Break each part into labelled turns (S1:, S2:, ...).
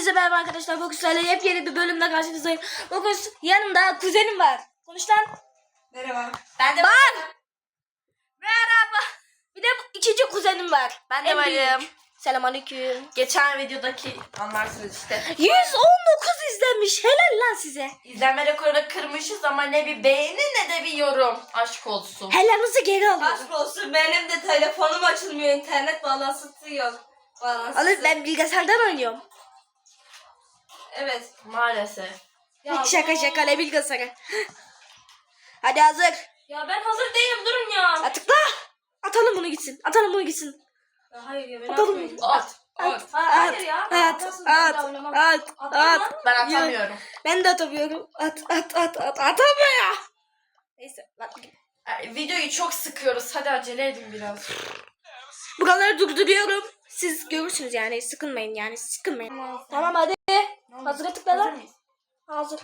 S1: Hepinize merhaba arkadaşlar. Bugün sizlerle yepyeni bir bölümle karşınızdayım. Bugün yanımda kuzenim var. Konuş lan.
S2: Merhaba.
S1: Ben de varım. Merhaba. Bir de ikinci kuzenim var.
S2: Ben de varım.
S1: Selamünaleyküm.
S2: Geçen videodaki anlarsınız işte.
S1: 119 izlenmiş. Helal lan size.
S2: İzlenme rekorunu kırmışız ama ne bir beğeni ne de bir yorum. Aşk olsun.
S1: Helalinizi geri alıyorum.
S3: Aşk olsun, benim de telefonum açılmıyor, internet bağlantısı yok.
S1: Alır, ben bilgisayardan oynuyorum.
S3: Evet.
S2: Maalesef.
S3: Ya
S1: Şaka ne bilgisayarı. Hadi hazır.
S3: Ya ben hazır değilim, durun ya.
S1: Tıkla. Atalım bunu gitsin. Atalım bunu gitsin.
S3: Ya hayır ya, ben
S1: Atalım.
S3: atmayayım.
S2: At. At.
S3: Hayır ya.
S1: At.
S3: Atamam.
S2: Ben atamıyorum.
S1: Ben de atamıyorum. Atamıyor. Neyse. Bak.
S2: Videoyu çok sıkıyoruz. Hadi acele edin biraz.
S1: Buraları durduruyorum. Siz görürsünüz yani. Sıkılmayın yani. Sıkılmayın. Tamam hadi. Hazır tıkla
S2: Hazır
S1: lan.
S2: mıyız?
S1: Hazır.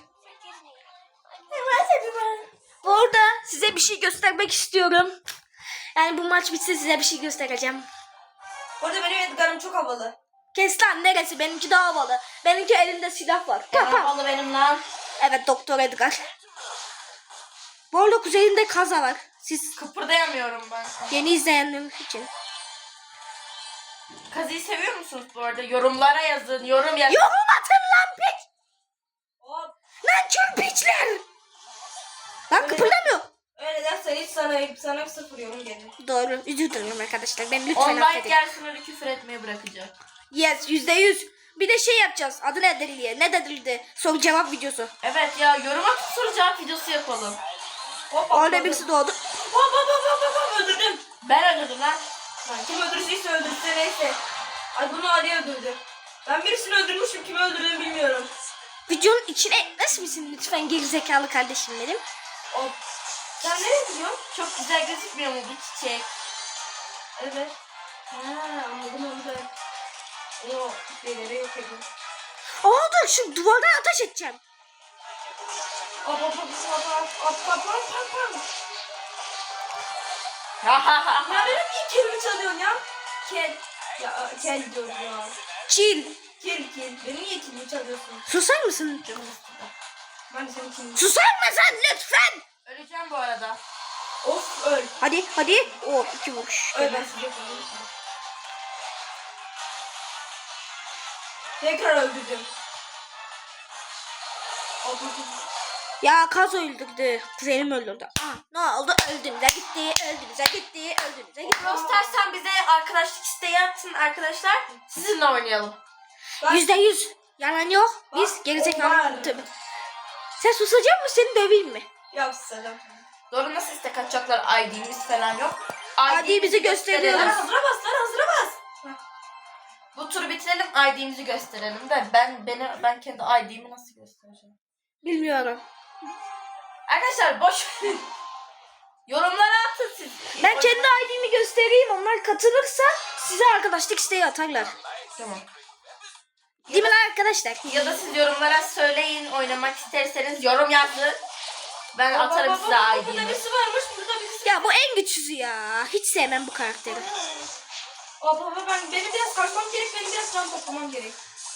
S1: Bu arada size bir şey göstermek istiyorum. Yani bu maç bitse size bir şey göstereceğim.
S3: Orada benim Edgar'ım çok havalı.
S1: Kes lan, neresi? Benimki daha havalı. Benimki elinde silah var.
S2: En havalı benim lan.
S1: Evet, Doktor Edgar. Bu arada kuzeyinde kaza var. Siz
S2: Kıpırdayamıyorum ben.
S1: yeni izleyenler için.
S2: Kazıyı seviyor musunuz bu arada? Yorumlara yazın. Yorum yazın.
S1: Yorum atın lan piç.
S3: Hop.
S1: Lan kör piçler. Lan kıpırdamıyor.
S3: Öyle dersen hiç sana sıfır yorum gelir.
S1: Doğru. Özür dilerim arkadaşlar. Ben lütfen
S2: 10 like
S1: affedin.
S2: gelsin öyle küfür etmeyi bırakacak.
S1: Yes, %100. Bir de şey yapacağız. Adı nedir diye. Ne dedildi? Soru cevap videosu.
S2: Evet ya, yorum atıp soru cevap videosu yapalım.
S3: Hop
S1: Orada birisi doğdu.
S3: Hop, öldürdüm.
S2: Ben öldürdüm lan.
S3: Lan kim öldürdüyse öldürse neyse. Ay bunu Ali öldürdü. Ben birisini öldürmüşüm, kimi öldürdüğümü bilmiyorum.
S1: Videonun içine ekler misin lütfen gerizekalı kardeşim benim?
S3: Hop. Sen nereye gidiyorsun?
S2: Çok güzel gözükmüyor mu bu çiçek?
S3: Evet. Ha, anladım. O şeyleri yok edin.
S1: Aa dur, şu duvardan ateş edeceğim.
S3: Hop. Ya benim niye kelimi çalıyorsun ya? Kel diyorum ya.
S1: Chill.
S3: Kel. Benim niye kelimi çalıyorsun?
S1: Susar mısın?
S3: Ben de senin kelimi.
S1: Susar mısın lütfen?
S2: Öleceğim bu arada.
S3: Of öl.
S1: Hadi. O 2 vuruş.
S3: Öl ben size koyayım. Tekrar öldürdüm. Hop.
S1: Ya kaz öldürdü. Kuzenim öldürdü. Ne oldu? Öldüğünüze gitti.
S2: İstersen bize arkadaşlık isteği atın arkadaşlar. Sizinle oynayalım.
S1: %100. Yalan yok. Biz
S3: Var.
S1: gerizekalı. Tabii. Sen susacak mısın? Seni döveyim mi?
S3: Yapsana.
S2: Doğru, nasıl istek atacaklar? ID'miz falan yok.
S1: ID bizi gösteriyoruz.
S3: Lan hazıra bas.
S2: Bu turu bitirelim, ID'mizi gösterelim de ben kendi ID'mi nasıl göstereceğim?
S1: Bilmiyorum.
S2: Arkadaşlar boş yorumlara atın siz.
S1: Ben kendi ID'mi göstereyim. Onlar katılırsa size arkadaşlık isteği atarlar.
S2: Tamam.
S1: Değil mi lan arkadaşlar?
S2: Ya da siz yorumlara söyleyin, oynamak isterseniz yorum yazın. Ben atarım size
S3: Burada
S2: ID'mi.
S3: birisi varmış, burada birisi.
S1: Ya bu en güçsüzü ya. Hiç sevmem bu karakteri.
S3: Benim biraz kaçmam gerek, benim biraz can toplamam gerek.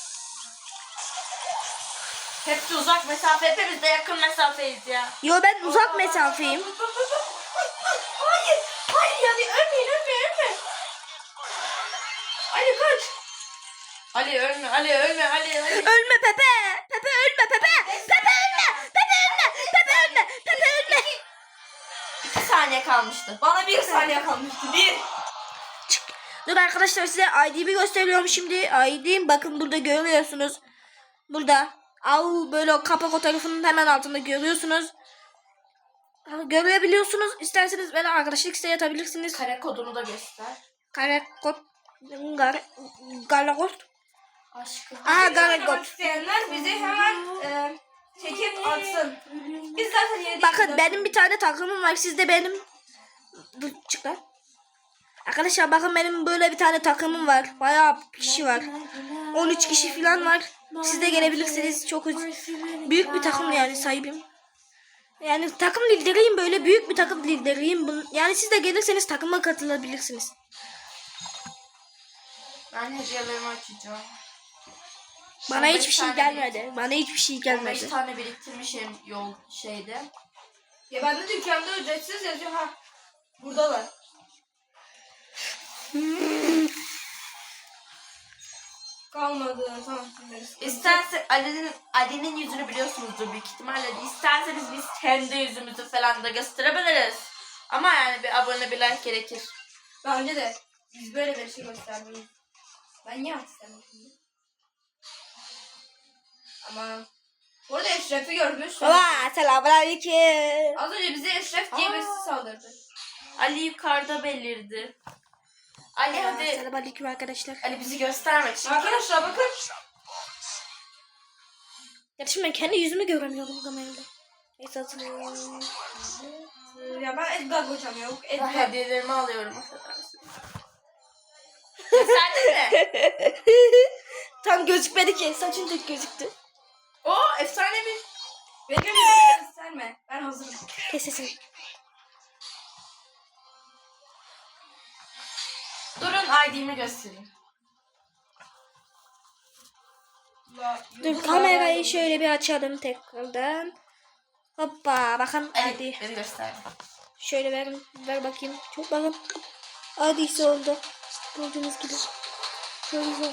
S2: Hepsi uzak mesafe, hepimiz de yakın mesafeyiz ya.
S1: Yo, ben uzak mesafeyim.
S3: Hayır yani ölme. Ali kaç.
S2: Ali ölme, Ali.
S1: Ölme Pepe. Pepe ölme Pepe. Pepe ölme.
S2: 2 saniye kalmıştı.
S3: Bana 1 saniye kalmıştı. 1.
S1: Dur arkadaşlar, size ID'mi gösteriyorum şimdi. ID'm bakın burada görüyorsunuz. Burada. Böyle o kapak fotoğrafının hemen altında görüyorsunuz. Görebiliyorsunuz. İsterseniz bana arkadaşlık isteği atabilirsiniz.
S2: Kare kodunu da göster.
S1: Garekot.
S2: Aşkım.
S1: Garekot.
S3: İsteyenler bizi hemen çekip atsın. Biz zaten yeni
S1: Bakın benim bir tane takımım var. Sizde benim. Dur çık lan. Arkadaşlar bakın benim böyle bir tane takımım var. Bayağı kişi var. 13 kişi falan var. Siz de gelebilirsiniz. Çok büyük bir takım yani sahibim. Yani takım lideriyim, böyle büyük bir takım lideriyim. Yani siz de gelirseniz takıma katılabilirsiniz.
S2: Ben hediyelerimi açacağım.
S1: Bana
S2: 15
S1: hiçbir şey
S2: tane
S1: gelmedi. Bana hiçbir şey
S2: 15
S1: gelmedi.
S2: tane biriktirmişim yol şeyde.
S3: Ya ben de dükkanda ücretsiz yazıyor ha. Buradalar. Kalmadı. Tamam.
S2: İstersen Ali'nin yüzünü biliyorsunuzdur büyük ihtimalle. İsterseniz biz kendi yüzümüzü falan da gösterebiliriz. Ama yani bir abone bir like gerekir.
S3: Bence de biz böyle bir şey göstermeyiz. Ben niye istemem şimdi? Ama bu arada Eşref'i görmüş.
S1: Baba selamünaleyküm.
S3: Az önce bize Eşref diye
S2: Aa.
S3: birisi saldırdı.
S2: Ali yukarıda belirdi. Ali hadi.
S1: Selamünaleyküm arkadaşlar.
S2: Ali bizi göstermek için.
S3: Arkadaşlar bakın.
S1: Ya şimdi ben kendi yüzümü göremiyorum kamerada. Neyse hatırlıyorum.
S3: Ya ben Edgar hocam yok.
S2: Ben
S3: Edgar.
S2: hediyelerimi alıyorum. Affedersin. Gösterdin mi?
S1: Tam gözükmedi ki. Saçın tek gözüktü.
S2: Oo efsane bir.
S3: Benim yüzümü gösterme. Ben hazırım.
S1: Kes sesini.
S2: Durun ID'mi göstereyim.
S1: Dur kamerayı şöyle bir açalım tekrardan. Hoppa bakın
S2: Ali
S1: hadi.
S2: beni göster.
S1: Şöyle ver bakayım. Çok bakın. Hadi oldu. Gördüğünüz gibi. Şöyle oldu.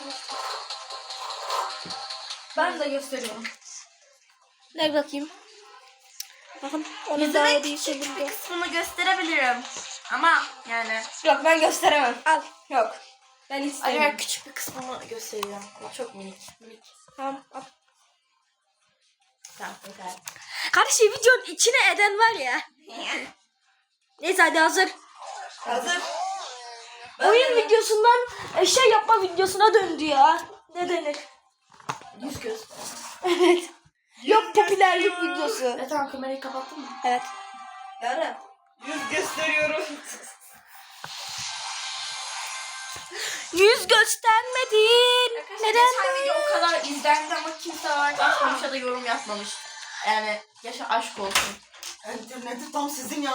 S3: Ben de gösteriyorum.
S1: Ver bakayım. Bakın onun daha
S2: Yüzümün
S1: iyi
S2: küçük bir
S1: şekilde.
S2: kısmını gösterebilirim. Ama yani
S3: Yok ben gösteremem.
S1: Al.
S3: Yok. Ben
S2: Ali
S3: istemiyorum.
S2: ben küçük bir kısmını gösteriyorum. O çok minik. Minik.
S1: Tamam al.
S2: Tamam yeter.
S1: Kardeşim videonun içine eden var ya. Neyse hadi hazır.
S3: Hazır.
S1: Oyun videosundan şey yapma videosuna döndü ya. Ne denir?
S2: Yüz göz.
S1: Evet. Yok popülerlik videosu.
S2: Tamam kamerayı kapattın mı?
S1: Evet.
S3: Yarın. Yüz gösteriyorum.
S1: Yüz göstermedin.
S2: Arkadaşlar
S1: Neden?
S2: geçen video o kadar izlendi ama kimse like atmamış ya da yorum yapmamış. Yani yaşa aşk olsun.
S4: İnterneti tam sizin ya.